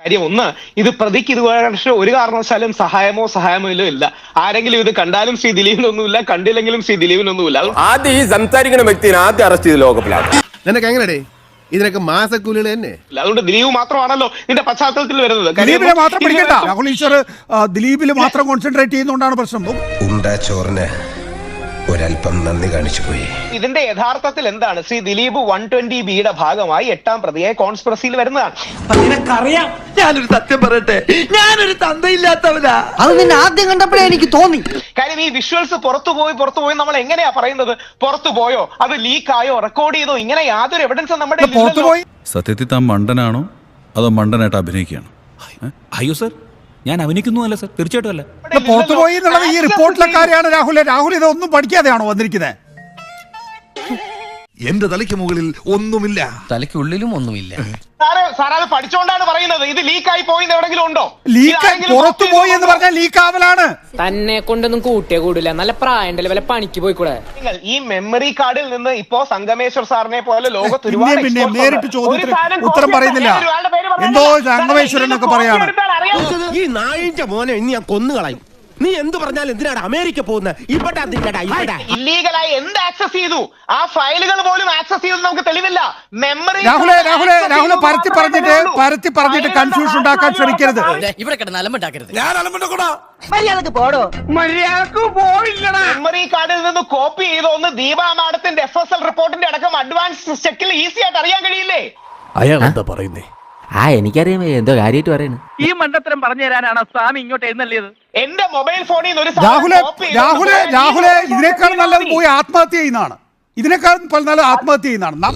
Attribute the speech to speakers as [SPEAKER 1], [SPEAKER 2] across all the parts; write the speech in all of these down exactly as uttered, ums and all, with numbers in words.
[SPEAKER 1] കാര്യം ഒന്ന്, ഇത് പ്രതിക്ക് ഇത് പക്ഷേ ഒരു കാരണവശാലും സഹായമോ സഹായമോ ഇല്ല. ആരെങ്കിലും ഇത് കണ്ടാലും ശ്രീ ദിലീപിനൊന്നുമില്ല, കണ്ടില്ലെങ്കിലും ശ്രീ ദിലീപിനൊന്നുമില്ല.
[SPEAKER 2] ആദ്യം ഈ സംസാരിക്കുന്ന വ്യക്തിയെ ആദ്യം അറസ്റ്റ് ചെയ്ത് ലോകപ്പിലാണ്.
[SPEAKER 3] നിനക്ക് എങ്ങനെടേ ഇതിനൊക്കെ മാസക്കൂലികൾ തന്നെ?
[SPEAKER 1] അതുകൊണ്ട് ദിലീപ് മാത്രമാണല്ലോ ഇതിന്റെ പശ്ചാത്തലത്തിൽ വരുന്നത്.
[SPEAKER 4] ദിലീപിനെ മാത്രം പിടിക്കണ്ട. രാഹുൽ ഈശ്വർ ദിലീപിൽ മാത്രം കോൺസെൻട്രേറ്റ് ചെയ്യുന്നതുകൊണ്ടാണ് പ്രശ്നം.
[SPEAKER 5] ഉണ്ടാ ചോറിന് ഒരല്പം നന്ദി കാണിച്ചു പോയി.
[SPEAKER 1] ഇതിന്റെ യഥാർത്ഥത്തിൽ എന്താണ്? ശ്രീ ദിലീപ് വൺ ട്വന്റി ബിയുടെ ഭാഗമായി എട്ടാം പ്രതിയെ കോൺസ്പിറസിയിൽ വരുന്നതാണ്.
[SPEAKER 6] നിനക്കറിയാം, ഞാനൊരു സത്യം പറയട്ടെ, ഞാനൊരു തന്തയില്ലാത്തവനാ.
[SPEAKER 7] അത് നിന്നെ ആദ്യം കണ്ടപ്പോഴേ എനിക്ക് തോന്നി.
[SPEAKER 1] കാര്യം ഈ വിഷ്വൽസ് പുറത്തു പോയി പുറത്തു പോയി നമ്മൾ എങ്ങനെയാ പറയുന്നത്? പുറത്തു പോയോ, അത് ലീക്ക് ആയോ, റെക്കോർഡ് ചെയ്തോ? ഇങ്ങനെ യാതൊരു എവിഡൻസും നമ്മുടെ
[SPEAKER 4] പുറത്തുപോയി.
[SPEAKER 8] സത്യത്തിൽ താൻ മണ്ടനാണോ അതോ മണ്ടനായിട്ട് അഭിനയിക്കുകയാണോ?
[SPEAKER 9] അയ്യോ സർ, ഞാൻ അഭിനയിക്കുന്നു അല്ല സർ, തീർച്ചയായിട്ടും അല്ല.
[SPEAKER 4] പുറത്തുപോയി എന്നുള്ളത് ഈ റിപ്പോർട്ടിലെ കാര്യമാണ്. രാഹുൽ രാഹുൽ ഇതൊന്നും പഠിക്കാതെയാണോ വന്നിരിക്കുന്നത്?
[SPEAKER 3] എന്റെ തലയ്ക്ക് മുകളിൽ ഒന്നുമില്ല,
[SPEAKER 7] തലയ്ക്കുള്ളിലും ഒന്നുമില്ല.
[SPEAKER 1] സാറേ സാർ അത് പഠിച്ചോണ്ടാണ് പറയുന്നത്. ഇത് ലീക്കായി പോയി എവിടെങ്കിലും ഉണ്ടോ?
[SPEAKER 4] ലീക്ക് പുറത്തു പോയി എന്ന് പറഞ്ഞാൽ ലീക്ക് ആവലാണ്.
[SPEAKER 10] തന്നെ കൊണ്ടൊന്നും കൂട്ടിയേ കൂടില്ല. നല്ല പ്രായം വല്ല പണിക്ക് പോയിക്കൂടെ?
[SPEAKER 1] നിങ്ങൾ ഈ മെമ്മറി കാർഡിൽ നിന്ന് ഇപ്പോ സംഗമേശ്വർ സാറിനെ പോലെ ലോകത്ത്
[SPEAKER 4] പിന്നെ പിന്നെ നേരിട്ട് ചോദ്യത്തിന് ഉത്തരം പറയുന്നില്ല. എന്തോ സംഗമേശ്വരൻ എന്നൊക്കെ പറയാണ്.
[SPEAKER 6] ഈ നായിന്റെ മോനെ ഇനി ഞാൻ കൊന്നുകളയും. നീ എന്ത് പറഞ്ഞാലും എന്തിനാണ് അമേരിക്ക പോകുന്നത്?
[SPEAKER 1] ഇല്ലീഗലായി എന്ത് ആക്സസ് ചെയ്തു? ആ ഫയലുകൾ പോലും ആക്സസ് ചെയ്തു നമുക്ക് തെളിവില്ല. മെമ്മറി
[SPEAKER 4] രാഹുലെ രാഹുലെ രാഹുലെ പരത്തി പറഞ്ഞിട്ട് പരത്തി പറഞ്ഞിട്ട് കൺഫ്യൂഷൻ ഉണ്ടാക്കാൻ ശ്രമിക്കരുത്.
[SPEAKER 7] ഇവിടെ കിടന്ന് അലമ്പുണ്ടാക്കരുത്.
[SPEAKER 3] ഞാൻ അലമ്പുണ്ടാക്കൂടാ.
[SPEAKER 7] മര്യാദക്ക് പോടോ.
[SPEAKER 1] മര്യാദക്ക് പോയില്ലടാ. മെമ്മറി കാർഡിൽ നിന്ന് കോപ്പി ചെയ്ത ഒന്ന് ദീപാ മാഡത്തിന്റെ എഫ് എസ് എൽ റിപ്പോർട്ടിന്റെ അടക്കം അഡ്വാൻസ് ചെക്കിൽ ഈസി ആയിട്ട് അറിയാൻ കഴിയില്ലേ?
[SPEAKER 6] അയാൾ എന്താ പറയുന്നേ?
[SPEAKER 7] ആ എനിക്കറിയാം, എന്തോ കാര്യമായിട്ട് പറയുന്നു.
[SPEAKER 10] ഈ മണ്ടത്തരം പറഞ്ഞു തരാനാണ് സ്വാമി ഇങ്ങോട്ട് എഴുന്നള്ളിയത്.
[SPEAKER 1] എന്റെ മൊബൈൽ ഫോണിൽ നിന്ന് ഒരു
[SPEAKER 4] രാഹുലെ രാഹുലെ രാഹുലെ ഇതിനേക്കാൾ നല്ലത് പോയി ആത്മഹത്യ ചെയ്യുന്നതാണ്. ഇതിനേക്കാൾ നല്ലത് ആത്മഹത്യ ചെയ്യുന്നതാണ്.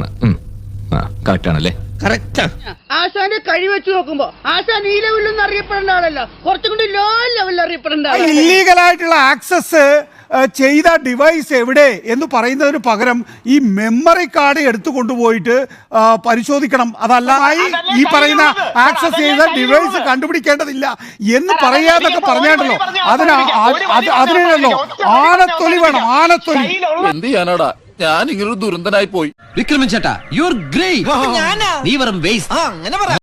[SPEAKER 11] ആശാന്റെ കഴി വെച്ച് നോക്കുമ്പോ ആശാൻ ഈ ലെവലിലൊന്നും അറിയപ്പെടേണ്ട ആളല്ല, കുറച്ചും കൂടി ലോ ലെവലിൽ അറിയപ്പെടേണ്ട ആളാണ്.
[SPEAKER 4] ഇല്ലീഗലായിട്ടുള്ള ആക്സസ് ചെയ്ത ഡിവൈസ് എവിടെ എന്ന് പറയുന്നതിന് പകരം ഈ മെമ്മറി കാർഡ് എടുത്തു കൊണ്ടുപോയിട്ട് പരിശോധിക്കണം. അതല്ല ഈ പറയുന്ന ആക്സസ് ചെയ്ത ഡിവൈസ് കണ്ടുപിടിക്കേണ്ടതില്ല എന്ന് പറയാന്നൊക്കെ പറഞ്ഞാണ്ടല്ലോ. അതിന് അതിനല്ലോ ആനത്തൊലി വേണം, ആനത്തൊലി.
[SPEAKER 8] എന്ത് ചെയ്യാനാടാ, ഞാൻ ഇങ്ങനൊരു ദുരന്തനായി പോയി.
[SPEAKER 7] വിക്രമൻ ചേട്ടാ, യു ആർ ഗ്രേറ്റ്. നീ വെറും വേസ്റ്റ്.